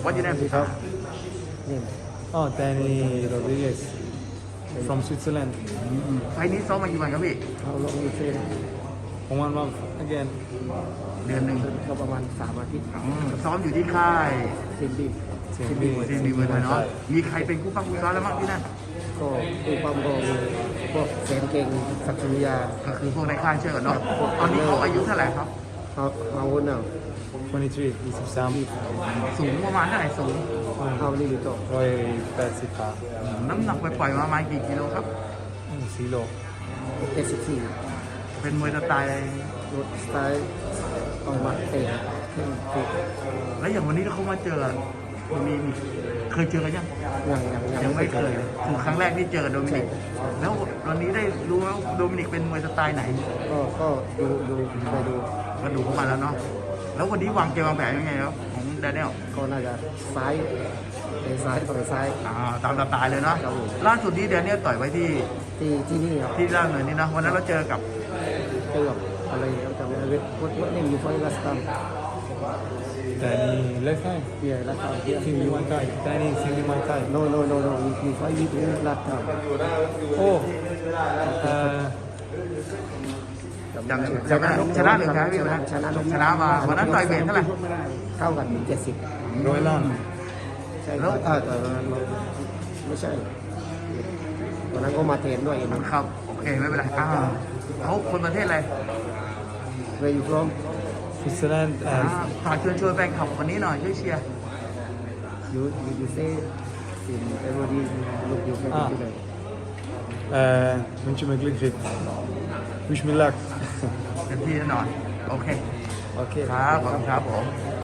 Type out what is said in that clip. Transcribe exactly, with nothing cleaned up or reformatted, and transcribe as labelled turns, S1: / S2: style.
S1: What your name?
S2: Name.
S3: Oh, Danny Rodriguez from Switzerland.
S1: ไฟล์นี้ซ้อมมากี่วันครับพี่
S2: How long you train?
S3: One month again.
S1: เดือนหนึ่ง
S2: ก็ประมาณสามอาทิตย์
S1: อืมซ้อมอยู่ที่ค่าย
S2: เซนดี้
S3: Same
S1: ที
S3: thing.
S1: มดีเมืองไทยเนาะมีใครเป็นคู่ปั้มคู่ซ้อมแล้วบ้างที่นั่น
S2: ก็ปูปั๊มก็มีพวกแสนเก่งศักดิ์สุริยา
S1: ก็คือพวกในค่ายเชื่อกันเนาะตอนนี้เขาอายุเท่าไหร่ครับ
S2: เขามาวนเอา
S3: twenty-three, twenty-three.
S1: สูงประมาณเท่าไหร่สูง
S2: เอานี่อยู่ต่อ
S3: Roy Pacifica.
S1: น้ำหนักไปปล่อยๆมาประมาณกี่กิโลครับ
S3: Silo.
S2: เจ็ดสิบสี่
S1: เป็นมวยสไตล์
S2: รถสไตล์ออกมาเตะขึ้นติด
S1: แล้วอย่างวันนี้เขามาเจอมีมีเคยเจอกันยัง
S2: ยังยัง
S1: ยังไม่เคยคือครั้งแรกที่เจอกับโดมินิกแล้ววันนี้ได้รู้ว่าโดมินิกเป็นมวยสไตล์ไหน
S2: ก็ก็ดูดูไปดู
S1: ก็ดูเข้ามาแล้วเนาะแล้ววันนี้วางเกมวางแผนยังไงครับของแดเนียล
S2: ก็น่าจะซ้ายเตะซ้ายต่อยซ้าย
S1: อ่าตามสไตล์เลยเนาะ
S2: ครับผม
S1: ล่าสุดนี้แดเนียลต่อยไว้ที่
S2: ที่ที่นี่ครับ
S1: ที่ล่างเลยนี่นะวันนั้นเราเจอกับ
S2: เจอกับอะไรครับจำไม่ได้เวทวัดวัดนี่อยู่ไฟลัสตัม
S3: Danny left hand.
S2: เบียร์ลัสตัมเบียร์
S3: Singly Muay Thai. Danny Singly Muay Thai.
S2: no no no no มีมีไฟยิบลัสตัม
S3: Oh. Uh,
S1: จำชนะชนะหรือแพ้พี่วันนั้น
S2: ชนะ
S1: ชนะมาวันนั้นต่อยเวทเท่าไหร่
S2: เท่ากันเจ็ดสิบ
S3: Roy Lan.
S2: ใช่ครับอ่าแต่วันนั้นไม่ใช่วันนั้นก็มาเทรนด้วยนะครับ
S1: โอเคไม่เป็นไรอ่าเขาคนประเทศอะไร
S2: Where you from
S3: Switzerland
S1: อ่า
S3: and
S1: ฝากเชิญชวนแฟนคลับวันนี้หน่อยช่วยเชียร์
S2: you you you say in everybody look you can
S3: Ah.
S2: do that
S3: uh, wens je me geluk fit. Wish me luck.
S1: เต็มที่แน่นอน โอเค
S3: Okay.
S1: ครับขอบคุณครับผม